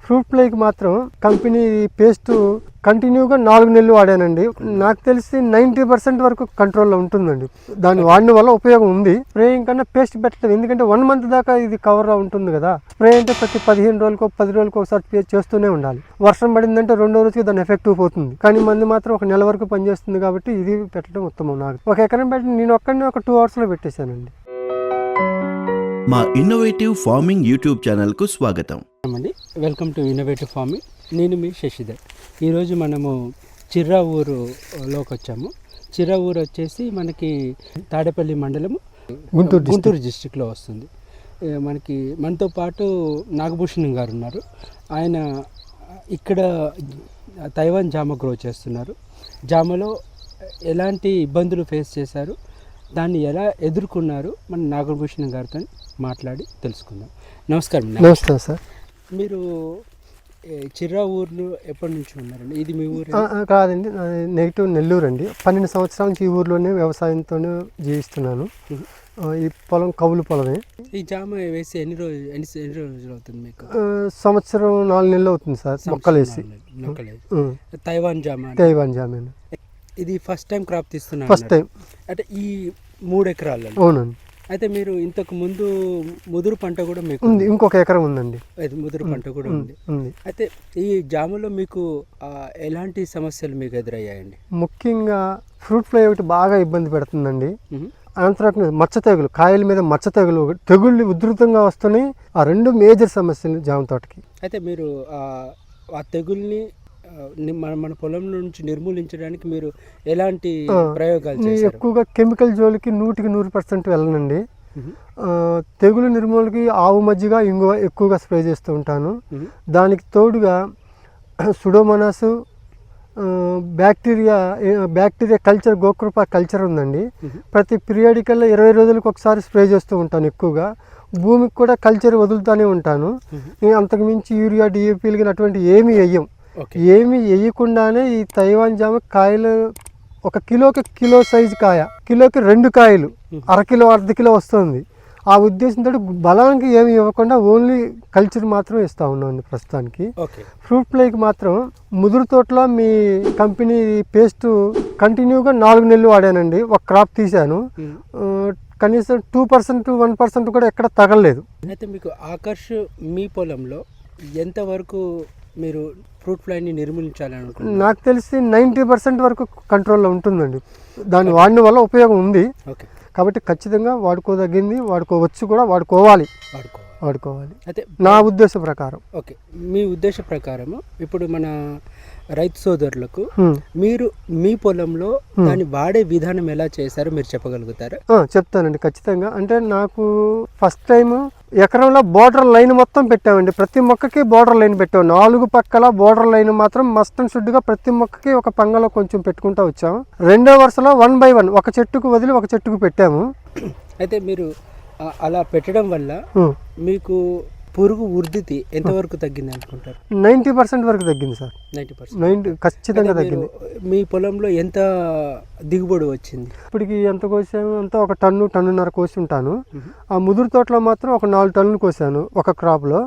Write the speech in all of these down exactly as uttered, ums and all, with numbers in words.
Fruit ఫ్లైకి మాత్రం company paste కంటిన్యూగా నాలుగు నెలలు వాడానండి. నాకు తెలిసి నైంటీ పర్సెంట్ వరకు కంట్రోల్లో ఉంటుందండి. దాన్ని వాడిన వల్ల ఉపయోగం ఉంది. స్ప్రేయింగ్ కన్నా పేస్ట్ పెట్టలేదు, ఎందుకంటే వన్ మంత్ దాకా ఇది కవర్ ఉంటుంది కదా. స్ప్రే అంటే ప్రతి పదిహేను రోజులకు పది రోజులకు ఒకసారి చేస్తూనే ఉండాలి. వర్షం పడిందంటే రెండో రోజుకి దాని ఎఫెక్టివ్ పోతుంది. కానీ మంది మాత్రం ఒక నెల వరకు పనిచేస్తుంది కాబట్టి ఇది పెట్టడం ఉత్తమం. నాకు ఒక ఎకరం పెట్టి నేను ఒక్కడిని ఒక టూ అవర్స్లో పెట్టేశానండి. మా ఇన్నోవేటివ్ ఫార్మింగ్ యూట్యూబ్ ఛానల్కు స్వాగతం అండి. Welcome to innovative farming. నేను మీ శశిధర్. ఈరోజు మనము చిర్రా ఊరులోకి వచ్చాము. చిర్రా ఊరు వచ్చేసి మనకి తాడేపల్లి మండలం గుంటూరు గుంటూరు డిస్టిక్లో వస్తుంది. మనకి మనతో పాటు నాగభూషణ్ గారు ఉన్నారు. ఆయన ఇక్కడ తైవాన్ జామ గ్రో చేస్తున్నారు. జామలో ఎలాంటి ఇబ్బందులు ఫేస్ చేశారు, దాన్ని ఎలా ఎదుర్కొన్నారు, మన నాగభూషణ్ గారితో మాట్లాడి తెలుసుకుందాం. నమస్కారం. నమస్కారం సార్. మీరు చిర్రా ఊర్లో ఎప్పటి నుంచి ఉన్నారండి? ఇది మీ ఊరు కాదండి, నెగిటివ్ నెల్లూరు అండి. పన్నెండు సంవత్సరాల నుంచి ఈ ఊర్లోనే వ్యవసాయంతోనే జీవిస్తున్నాను. ఈ పొలం కౌలు పొలమే. ఈ జామ వేసి ఎన్ని రోజులు ఎన్ని ఎన్ని రోజులు అవుతుంది మీకు? సంవత్సరం నాలుగు నెలలు అవుతుంది సార్. మొక్కలు వేసి తైవాన్ జామ. తైవాన్ జామ ఇది ఫస్ట్ టైం క్రాప్ తీస్తున్నారు? First time. అంటే ఈ మూడు ఎకరాలలో? అవునండి. అయితే మీరు ఇంతకు ముందు ముదురు పంట కూడా మీకు ఉంది, ఇంకొక ఎకరం ఉందండి. ముదురు పంట కూడా ఉంది. అయితే ఈ జామలో మీకు ఎలాంటి సమస్యలు మీకు ఎదురయ్యాయండి? ముఖ్యంగా ఫ్రూట్ ఫ్లై ఒకటి బాగా ఇబ్బంది పెడుతుందండి. అనంతరం మచ్చ తెగులు, కాయల మీద మచ్చ తెగులు, తెగుళ్ళు ఉధృతంగా వస్తున్నాయి. ఆ రెండు మేజర్ సమస్యలు జామ తోటకి. అయితే మీరు ఆ తెగుల్ని మన మన పొలం నుంచి నిర్మూలించడానికి మీరు ఎలాంటి ప్రయోగాలు చేశారు? ఎక్కువగా కెమికల్ జోలికి నూటికి నూరు పర్సెంట్ వెళ్ళనండి. తెగులు నిర్మూలనకి ఆవు మజ్జిగ, ఇంగువ ఎక్కువగా స్ప్రే చేస్తూ ఉంటాను. దానికి తోడుగా pseudomonas, bacteria bacteria culture, Gokrupa culture ఉందండి. ప్రతి పీరియాడికల్లా ఇరవై రోజులకు ఒకసారి స్ప్రే చేస్తూ ఉంటాను. ఎక్కువగా భూమికి కూడా కల్చర్ వదులుతూనే ఉంటాను. అంతకుమించి యూరియా, డిఏపీలు కానీ అటువంటి ఏమీ వేయం. ఏమి వేయకుండానే ఈ తైవాన్ జామ కాయలు ఒక కిలోకి కిలో సైజు కాయ, కిలోకి రెండు కాయలు, అరకిలో అర్ధ కిలో వస్తుంది. ఆ ఉద్దేశంతో బలానికి ఏమి ఇవ్వకుండా ఓన్లీ కల్చర్ మాత్రం ఇస్తూ ఉన్నాను ప్రస్తుతానికి. ఫ్రూట్ ఫ్లైకి మాత్రం ముదురు తోటలో మీ కంపెనీ పేస్ట్ కంటిన్యూగా నాలుగు నెలలు వాడానండి. ఒక క్రాప్ తీశాను, కనీసం టూ పర్సెంట్ వన్ పర్సెంట్ కూడా ఎక్కడ తగలలేదు. అయితే మీకు ఆకర్ష్ మీ పొలంలో ఎంతవరకు మీరు ఫ్రూట్ ఫ్లైని నిర్మూలించాలనుకుంటున్నారు? నాకు తెలిసి నైంటీ పర్సెంట్ వరకు కంట్రోల్లో ఉంటుందండి. దాన్ని వాడిన వల్ల ఉపయోగం ఉంది కాబట్టి ఖచ్చితంగా వాడుకోదగింది, వాడుకోవచ్చు కూడా, వాడుకోవాలి వాడుకోవాలి అయితే నా ఉద్దేశ ప్రకారం. ఓకే, మీ ఉద్దేశ ప్రకారం ఇప్పుడు మన రైతు సోదరులకు మీరు మీ పొలంలో దాన్ని వాడే విధానం ఎలా చేశారో మీరు చెప్పగలుగుతారా? చెప్తానండి ఖచ్చితంగా. అంటే నాకు ఫస్ట్ టైం ఎకరంలో బోర్డర్ లైన్ మొత్తం పెట్టామండి. ప్రతి మొక్కకి బోర్డర్ లైన్ పెట్టాము. నాలుగు పక్కల బోర్డర్ లైన్ మాత్రం మస్ట్ అండ్ షుడ్గా ప్రతి మొక్కకి ఒక పంగలో కొంచెం పెట్టుకుంటూ వచ్చాము. రెండో వరుసలో వన్ బై వన్ ఒక చెట్టుకు వదిలి ఒక చెట్టుకు పెట్టాము. అయితే మీరు అలా పెట్టడం వల్ల మీకు పురుగు ఉధృతి ఎంతవరకు తగ్గింది అనుకుంటారు? నైంటీ పర్సెంట్ వరకు తగ్గింది సార్. నైంటీ పర్సెంట్ నైంటీ ఖచ్చితంగా తగ్గింది. మీ పొలంలో ఎంత దిగుబడి వచ్చింది? ఇప్పటికి ఎంత కోసాము అంతా ఒక టన్ను టన్నున్నర కోసి ఉంటాను. ఆ ముదురు తోటలో మాత్రం ఒక నాలుగు టన్నులు కోసాను ఒక క్రాప్లో.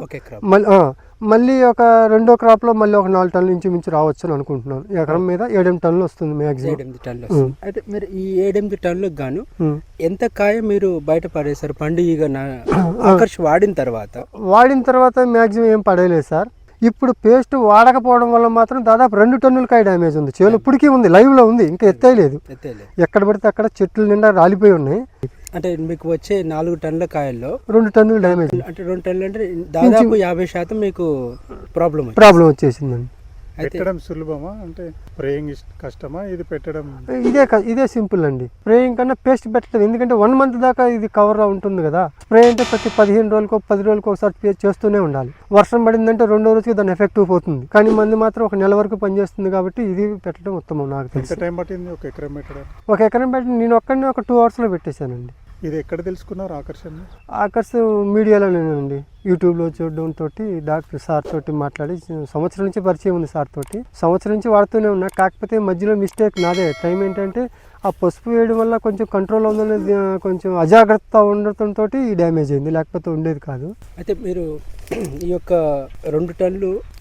మళ్ళీ ఒక రెండో క్రాప్లో మళ్ళీ ఒక నాలుగు టన్నుల నుంచి మించి రావచ్చు అని అనుకుంటున్నాను. ఎకరం మీద ఏడెనిమిది టన్నులు వస్తుంది మ్యాక్సిమం. ఏడెనిమిది టన్నులు. అయితే మీరు ఈ ఏడెనిమిది టన్నులకు గాను ఎంత కాయ మీరు బయట పడేశారు పండుగ ఆకర్ష్ వాడిన తర్వాత? వాడిన తర్వాత మ్యాక్సిమం ఏం పడేయలేదు సార్. ఇప్పుడు పేస్ట్ వాడకపోవడం వల్ల మాత్రం దాదాపు రెండు టన్నుల కాయ డ్యామేజ్ ఉంది. చేలు ఇప్పటికీ ఉంది, లైవ్ లో ఉంది, ఇంకా ఎత్తేయలేదు. ఎక్కడ పడితే అక్కడ చెట్లు నిండా రాలిపోయి ఉన్నాయి. అంటే మీకు వచ్చే నాలుగు టన్నుల కాయల్లో రెండు టన్నులు డ్యామేజ్. అంటే రెండు టన్నులు అంటే దాదాపు యాభై శాతం మీకు ప్రాబ్లం ప్రాబ్లం వచ్చేసిందండి. పెట్టడం సులభమా అంటే స్ప్రేయింగ్ కష్టమా? ఇది పెట్టడం ఇదే ఇదే సింపుల్ అండి. స్ప్రేయింగ్ కన్నా పేస్ట్ పెట్టడం, ఎందుకంటే వన్ మంత్ దాకా ఇది కవర్ ఉంటుంది కదా. స్ప్రే అంటే ప్రతి పదిహేను రోజులకు పది రోజులకు ఒకసారి చేస్తూనే ఉండాలి. వర్షం పడిందంటే రెండో రోజుకి దాని ఎఫెక్టివ్ పోతుంది. కానీ మంది మాత్రం ఒక నెల వరకు పనిచేస్తుంది కాబట్టి ఇది పెట్టడం ఉత్తమం. నాకు తెలిసి టైం పట్టింది ఒక ఎకరం పెట్టడం? ఒక ఎకరం పెట్టి నేను ఒక్కడిని ఒక టూ అవర్స్లో పెట్టేశానండి. ఇది ఎక్కడ తెలుసుకున్నారు ఆకర్షణ? ఆకర్ష్ మీడియాలోనేనండి, యూట్యూబ్లో చూడడం తోటి డాక్టర్ సార్ తోటి మాట్లాడి సంవత్సరం నుంచి పరిచయం ఉంది సార్ తోటి. సంవత్సరం నుంచి వాడుతూనే ఉన్నా. కాకపోతే మధ్యలో మిస్టేక్ నాదే. టైం ఏంటంటే ఆ పసుపు వేయడం వల్ల కొంచెం కంట్రోల్ ఉందనేది కొంచెం అజాగ్రత్త ఉండటంతో ఈ డ్యామేజ్ అయింది, లేకపోతే ఉండేది కాదు. అయితే మీరు ఈ యొక్క రెండు టన్నులు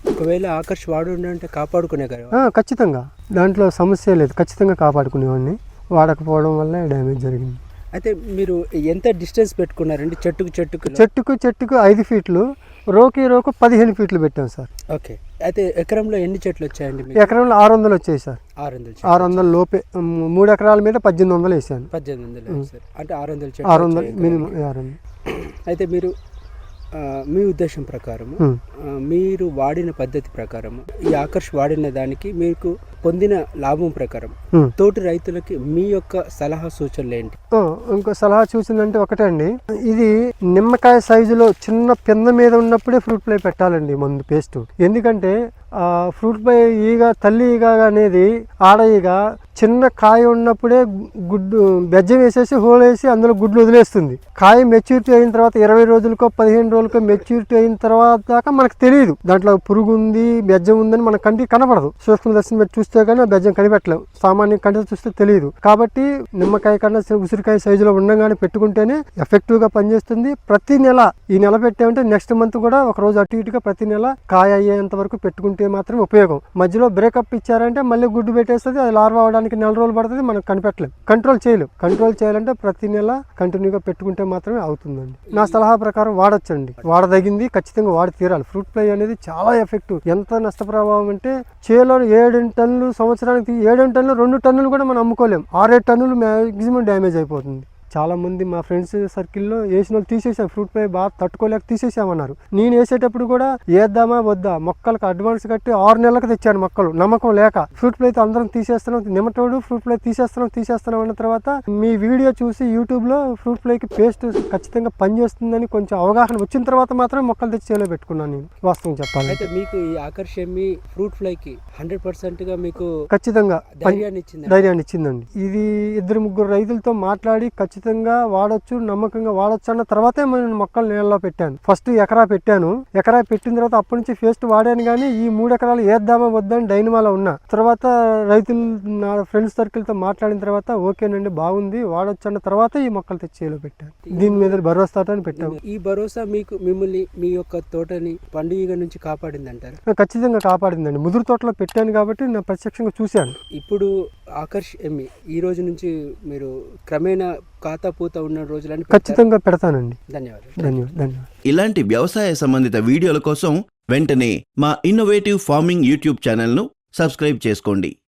ఒకవేళ ఆకర్ష్ వాడు అంటే కాపాడుకునే కదా. ఆ, ఖచ్చితంగా దాంట్లో సమస్య లేదు, ఖచ్చితంగా కాపాడుకునేవాడిని. వాడకపోవడం వల్ల డ్యామేజ్ జరిగింది. అయితే మీరు ఎంత డిస్టెన్స్ పెట్టుకున్నారండి చెట్టుకు చెట్టుకు? చెట్టుకు చెట్టుకు ఐదు ఫీట్లు, రోకి రోకు పదిహేను ఫీట్లు పెట్టాం సార్. ఓకే. అయితే ఎకరంలో ఎన్ని చెట్లు వచ్చాయండి మీకు? ఎకరంలో ఆరు వందలు వచ్చాయి సార్. ఆరు వందలు ఆరు వందల లోపే, మ్, మూడు ఎకరాల మీద పద్దెనిమిది వందలు వేసాను. పద్దెనిమిది వందలు వేశారు. అంటే ఆరు వందలు చెట్లు ఆరు వందలు వచ్చాయి మినిమం ఎకరానికి. ఆరు వందలు. అయితే మీరు ఆ, మీ ఉద్దేశం ప్రకారము మ్. ఆ, మీరు వాడిన పద్ధతి ప్రకారం ఈ ఆకర్ష్ వాడిన దానికి మీకు పొందిన లాభం ప్రకారం మ్. తోటి రైతులకి మీ యొక్క సలహా సూచనలు ఏంటి? ఆ, ఇంకో సలహా చూసిందంటే ఒకటే అండి, ఇది నిమ్మకాయ సైజులో చిన్న పింద మీద ఉన్నప్పుడే ఫ్రూట్ ఫ్లై పెట్టాలండి మందు పేస్ట్. ఎందుకంటే ఆ ఫ్రూట్ ఫ్లై ఈగ, తల్లి ఈగ అనేది ఆడ ఈగ చిన్న కాయ ఉన్నప్పుడే గుడ్డు బెజ్జ వేసేసి హోల్ వేసి అందులో గుడ్లు వదిలేస్తుంది. కాయ మెచ్యూరిటీ అయిన తర్వాత ఇరవై రోజులకో పదిహేను రోజులకో మెచ్యూరిటీ అయిన తర్వాత దాకా మనకు తెలియదు దాంట్లో పురుగు ఉంది బెజ్జం ఉందని మన కంటికి కనపడదు. సూక్ష్మదర్శనం పెట్టి చూస్తే కానీ ఆ బెజ్జం కనిపెట్టలేము, సామాన్య కంటితో చూస్తే తెలియదు. కాబట్టి నిమ్మకాయ కన్నా ఉసిరికాయ సైజులో ఉండగానే పెట్టుకుంటేనే ఎఫెక్టివ్ గా పనిచేస్తుంది. ప్రతి నెల ఈ నెల పెట్టామంటే నెక్స్ట్ మంత్ కూడా ఒక రోజు అటు ఇటుగా ప్రతి నెల కాయ అయ్యేంత వరకు పెట్టుకుంటే మాత్రం ఉపయోగం. మధ్యలో బ్రేకప్ ఇచ్చారంటే మళ్ళీ గుడ్డు పెట్టేస్తుంది, అది లార్వా అవడానికి నెల రోజులు పడుతుంది, మనం కనిపెట్టలేం, కంట్రోల్ చేయలేం. కంట్రోల్ చేయాలంటే ప్రతి నెల కంటిన్యూగా పెట్టుకుంటే మాత్రమే అవుతుందండి. నా సలహా ప్రకారం వాడొచ్చండి, వాడదగింది, ఖచ్చితంగా వాడి తీరాలి. ఫ్రూట్ ఫ్లై అనేది చాలా ఎఫెక్టివ్. ఎంత నష్టప్రభావం అంటే చేలో ఏడు టన్నులు సంవత్సరానికి ఏడు టన్నులు రెండు టన్నులు కూడా మనం అమ్ముకోలేం, ఆరేడు టన్నులు మ్యాక్సిమం డ్యామేజ్ అయిపోతుంది. చాలా మంది మా ఫ్రెండ్స్ సర్కిల్లో వేసిన వాళ్ళు తీసేసాం, ఫ్రూట్ ఫ్లై బాగా తట్టుకోలేక తీసేసామన్నారు. నేను వేసేటప్పుడు కూడా వేద్దామా వద్దా, మొక్కలకు అడ్వాన్స్ కట్టి ఆరు నెలలకు తెచ్చాను మొక్కలు, నమ్మకం లేక. ఫ్రూట్ ఫ్లై అందరం తీసేస్తున్నాం, నిమ్మటోడు ఫ్రూట్ ఫ్లై తీసేస్తున్నాం తీసేస్తున్నాం అన్న తర్వాత మీ వీడియో చూసి యూట్యూబ్లో ఫ్రూట్ ఫ్లైకి పేస్ట్ ఖచ్చితంగా పనిచేస్తుందని కొంచెం అవగాహన వచ్చిన తర్వాత మాత్రం మొక్కలు తెచ్చి చేలో పెట్టుకున్నాను నేను, వాస్తవం చెప్పాలి. అయితే మీకు ఈ ఆకర్షణ మీ ఫ్రూట్ ఫ్లైకి హండ్రెడ్ పర్సెంట్ గా మీకు ఖచ్చితంగా ధైర్యాన్ని ఇచ్చింది. ధైర్యాన్ని ఇచ్చిందండి. ఇది ఇద్దరు ముగ్గురు రైతులతో మాట్లాడి ఖచ్చితంగా వాడొచ్చు, నమ్మకంగా వాడొచ్చు అన్న తర్వాతే నేను మొక్కలు నీళ్ళలో పెట్టాను. ఫస్ట్ ఎకరా పెట్టాను, ఎకరా పెట్టిన తర్వాత అప్పటి నుంచి పేస్ట్ వాడాను. కానీ ఈ మూడు ఎకరాలు వేద్దామా వద్దని డైనమాలో ఉన్నా. తర్వాత రైతులు నా ఫ్రెండ్స్ సర్కిల్ తో మాట్లాడిన తర్వాత ఓకేనండి బాగుంది వాడొచ్చు అన్న తర్వాత ఈ మొక్కలు తెచ్చి చేలో పెట్టాను. దీని మీద భరోసా అని పెట్టాము. ఈ భరోసా మీకు మిమ్మల్ని మీ యొక్క తోటని పండుగ నుంచి కాపాడింది అంటారు? ఖచ్చితంగా కాపాడిందండి. ముదురు తోటలో పెట్టాను కాబట్టి నేను ప్రత్యక్షంగా చూశాను. ఇప్పుడు ఆకర్ష్ ఎమ్మి ఈ రోజు నుంచి మీరు క్రమేణా ఖాతా పూత ఉన్న రోజులని ఖచ్చితంగా పెడతానండి. ధన్యవాదాలు. ధన్యవాదాలు ధన్యవాదాలు ఇలాంటి వ్యవసాయ సంబంధిత వీడియోల కోసం వెంటనే మా ఇన్నోవేటివ్ ఫార్మింగ్ యూట్యూబ్ ఛానల్ను సబ్స్క్రైబ్ చేసుకోండి.